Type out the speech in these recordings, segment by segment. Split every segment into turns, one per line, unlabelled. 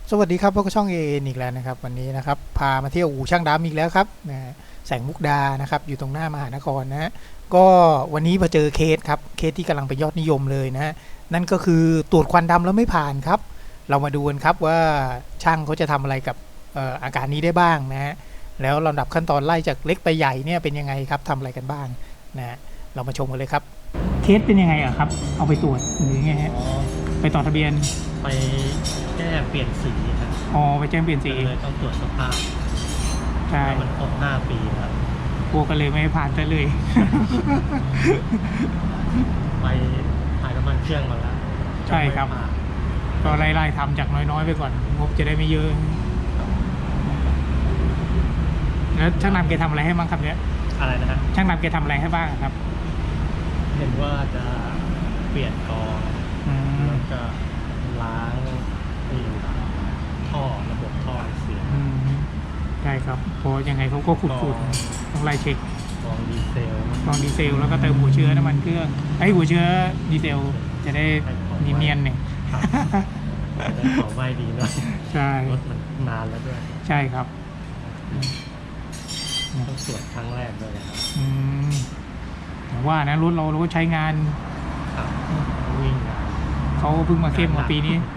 สวัสดีครับพวกช่องเออีกแล้วนะครับวันนี้นะครับพามาเที่ยวอู่ช่างดำอีกแล้วครับแสงมุกดานะครับอยู่ตรงหน้ามหานครนะฮะก็วันนี้มาเจอเคสครับเคสที่กำลังเป็นยอดนิยมเลยนะฮะนั่นก็คือตรวจควันดำแล้วไม่ผ่านครับเรามาดูกันครับว่าช่างเขาจะทำอะไรกับอาการนี้ได้บ้างนะฮะแล้วลำดับขั้นตอนไล่จากเล็กไปใหญ่เนี่ยเป็นยังไงครับทำอะไรกันบ้างนะเรามาชมกันเลยครับเคสเป็นยังไงอะครับเอาไปตรวจหรือไงฮะไปต่อทะเบียน
ไปแก้เปลี่ยนสีครับ
อ๋อไปแจ้งเปลี่ยนสี
เลยต้องตรวจสภาพ
ใช่
มันครบ5 ปีครับ
พวกกันเลยไม่ผ่านแต่เลย
ไปถ่ายน้ำมันเครื่องมาแล้ว
ใช่ครับก็ไล่ๆทำจากน้อยๆไปก่อนงบจะได้ไม่เยอะแล้วช่างนำแกทำอะไรให้บ้างครับเนี่ย
อะไรนะฮะ
ช่างนำแกทำอะไรให้บ้างครับ
เห็นว่าจะเปลี่ยนกรองแล้วก็ล้างท่อระบบท่อเสีย
ใช่ครับเพราะยังไงเขาก็ขุดต้องไล่เช็ค
กรองดีเซล
แล้วก็เติมหัวเชื้อน้ำมันเครื่องหัวเชื้อดีเซลจะได้เนียนๆเนี่ย
จะได้เผาไหม้ดีด้วย
ใช่
รถมันนานแล้วด้วย
ใช่ครับ
ต้องตรวจครั้งแรกด้วยนะครับ
แต่ว่านะรถเราก็ใช้งาน
วิ่ง
เขาเพิ่งมาเข้มมาปีนี้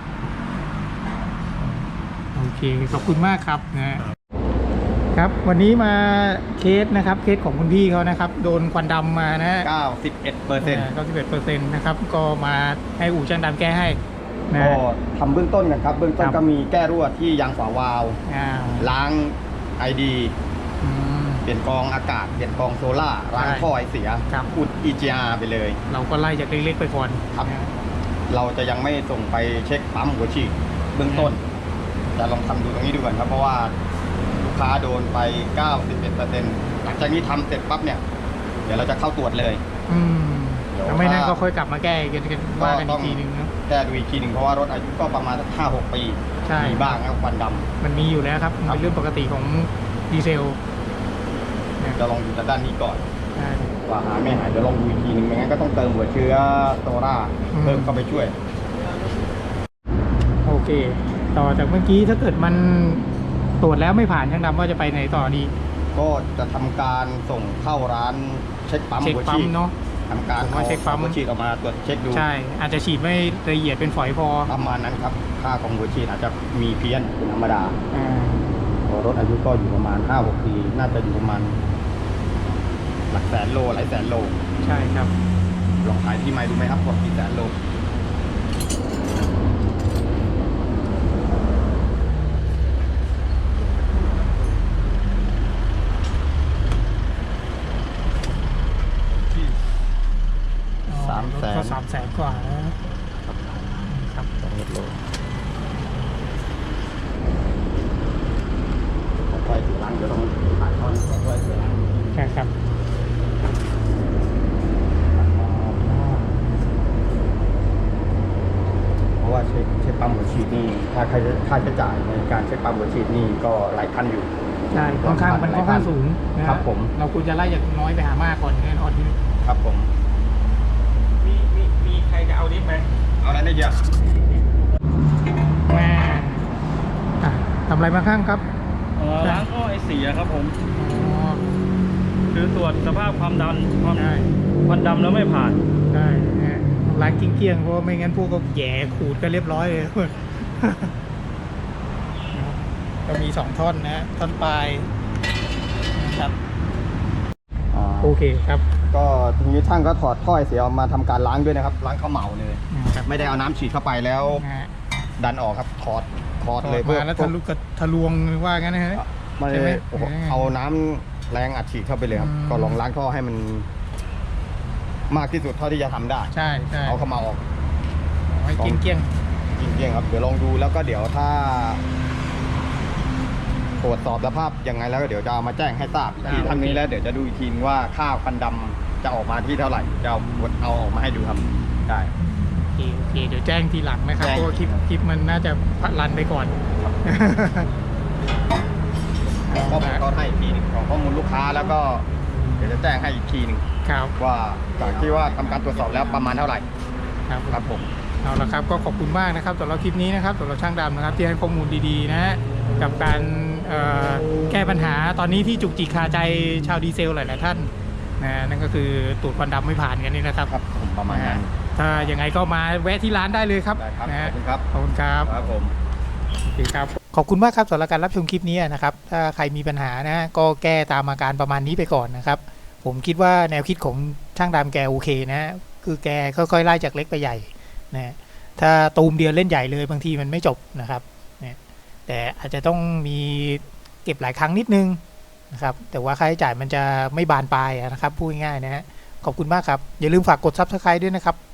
โอเคขอบคุณมากครับนะครับวันนี้มาเคสนะครับเคสของคุณพี่เขานะครับโดนควันดำมานะ91%นะครับก็มาให้อู่ช่างดำแก้ให้
ก็ทำเบื้องต้นกันครับเบื้องต้นก็มีแก้รั่วที่ยางฝาวาล์วล้างไอดีเปลี่ยนกรองอากาศเปลี่ยนกรองโซล่าล้างท่อไอเสียอุด EGR ไปเลย
เราก็ไล่จากเล็กๆไปก่อน
ครับเราจะยังไม่ส่งไปเช็คปั๊มหัวฉีดเบื้องต้นจะลองทำดูตรงนี้ดูก่อนครับเพราะว่าลูกค้าโดนไป 91%หลังจากนี้ทำเสร็จปั๊บเนี่ยเดี๋ยวเราจะเข้าตรวจเลย
แล้วไม่นั่นก็ค่อยกลับมาแก้กันว่ากันอีกทีนึงนะ
แก้ดูอีกทีหนึ่งเพราะว่ารถอายุก็ประมาณ5-6 ปีมีบ้างนะควันดำ
มันมีอยู่แล้วครับเป็นเรื่องปกติของดีเซล
จะลองดูจากด้านนี้ก่อนว่าหายไม่หายเดี๋ยวลองดูอีกทีหนึ่งไม่งั้นก็ต้องเติมหัวเชื้อโซล่าเพิ่มเข้าไปช่วย
โอเคต่อจากเมื่อกี้ถ้าเกิดมันตรวจแล้วไม่ผ่านช่างดำว่าจะไปไหนต่อดี
ก็จะทำการส่งเข้าร้านเช็คปั๊มหัวฉีด
เนาะ
ทำการ
เช็คปั๊ม
หัวฉีดออกมาตรวจเช็คดู
ใช่อาจจะฉีดไม่ละเอียดเป็นฝอยพอ
ประมาณนั้นครับค่าของหัวฉีดอาจจะมีเพี้ยนธรรมดารถอายุก็อยู่ประมาณ5-6 ปีน่าจะอยู่ประมาณหลักแสนโลหลายแสนโล
ใช่ครับ
ลองขายที่ไมล์ดูไหมครับกว่ากี่แสนโล
300,000 กว่านะครับ
2 โลของไฟสีล้างเดี๋ยวต้องถ่ายทอดของไฟสีล้าง
ใช่ครับ
เพราะว่าเช็คปั๊มหัวฉีดนี่ค่าใช้จ่ายในการเช็คปั๊มหัวฉีดนี่ก็หลายพันอยู่
ใช่ค่อนข้างสูง
ครับผม
เราควรจะไล่จากน้อยไปหามากก่อนแน่นอน
ครับผม
มีใครจะเอาดิฟไหม
เอาอะไรได้เยอะ
แม่ทำอะไรมาข้างครับ
ล้างท่อไอเสียครับผมคือตรวจสภาพความดันควันดำแล้วไม่ผ่าน
ใช่ล้างเกลี้ยงเพราะไม่งั้นพวกก็แย่ขูดก็เรียบร้อยเลยก็มี2 ท่อนนะท่อนปลายนะครับโอเคครับ
ก็ทีนี้ช่างก็ถอดท่อเสียออกมาทำการล้างด้วยนะครับล้างข้าวเหมาเลยไม่ได้เอาน้ำฉีดเข้าไปแล้วดันออกครับถอดเลย
เพื่อแล้วทะลวงว่างั้นนะฮะ
ไม่เอาน้ำแรงอัดฉีดเข้าไปเลยครับก็ลองล้างท่อให้มันมากที่สุดเท่าที่จะทำได้
ใช่
เอาเข้ามาออก
เกลี้ยง
ครับเดี๋ยวลองดูแล้วก็เดี๋ยวถ้าตรวจสอบสภาพยังไงแล้วก็เดี๋ยวจะเอามาแจ้งให้ทราบทีทั้งนี้แล้วเดี๋ยวจะดูอีกทีว่าค่าควันดำจะออกมาที่เท่าไหร่จะเอาออกมาให้ดูครับได้
โอเคเดี๋ยวแจ้งทีหลังนะครับเพราะคลิปมันน่าจะรันไปก่อน
ก็ให้อีกทีหนึ่งของข้อมูลลูกค้าแล้วก็เดี๋ยวจะแจ้งให้อีกทีหนึ่งว่าจากที่ว่าทำการตรวจสอบแล้วประมาณเท่าไหร่ครับผม
เอาละครับก็ขอบคุณมากนะครับสำหรับคลิปนี้นะครับสำหรับช่างดำนะครับที่ให้ข้อมูลดีๆนะฮะกับการแก้ปัญหาตอนนี้ที่จุกจิกคาใจชาวดีเซลหลายๆท่านนะนั่นก็คือตูดควันดำไม่ผ่านกันนี่นะครับ
ครับผมประมาณนั้น
ถ้ายังไงก็มาแวะที่ร้านได้เลยครับ
ได้ครับ
นะ
ข
ฮะ
อบคุณครับ
ขอบคุณครับ
ครับผม
โอเคครับขอบคุณมากครับสำหรับการรับชมคลิปนี้นะครับถ้าใครมีปัญหานะก็แก้ตามอาการประมาณนี้ไปก่อนนะครับผมคิดว่าแนวคิดของช่างดำแกโอเคนะคือแกค่อยๆไล่จากเล็กไปใหญ่นะถ้าตูมเดียวเล่นใหญ่เลยบางทีมันไม่จบนะครับเนี่ยแต่อาจจะต้องมีเก็บหลายครั้งนิดนึงนะครับแต่ว่าค่าใช้จ่ายมันจะไม่บานปลายนะครับพูดง่ายๆนะฮะขอบคุณมากครับอย่าลืมฝากกด Subscribe ด้วยนะครับ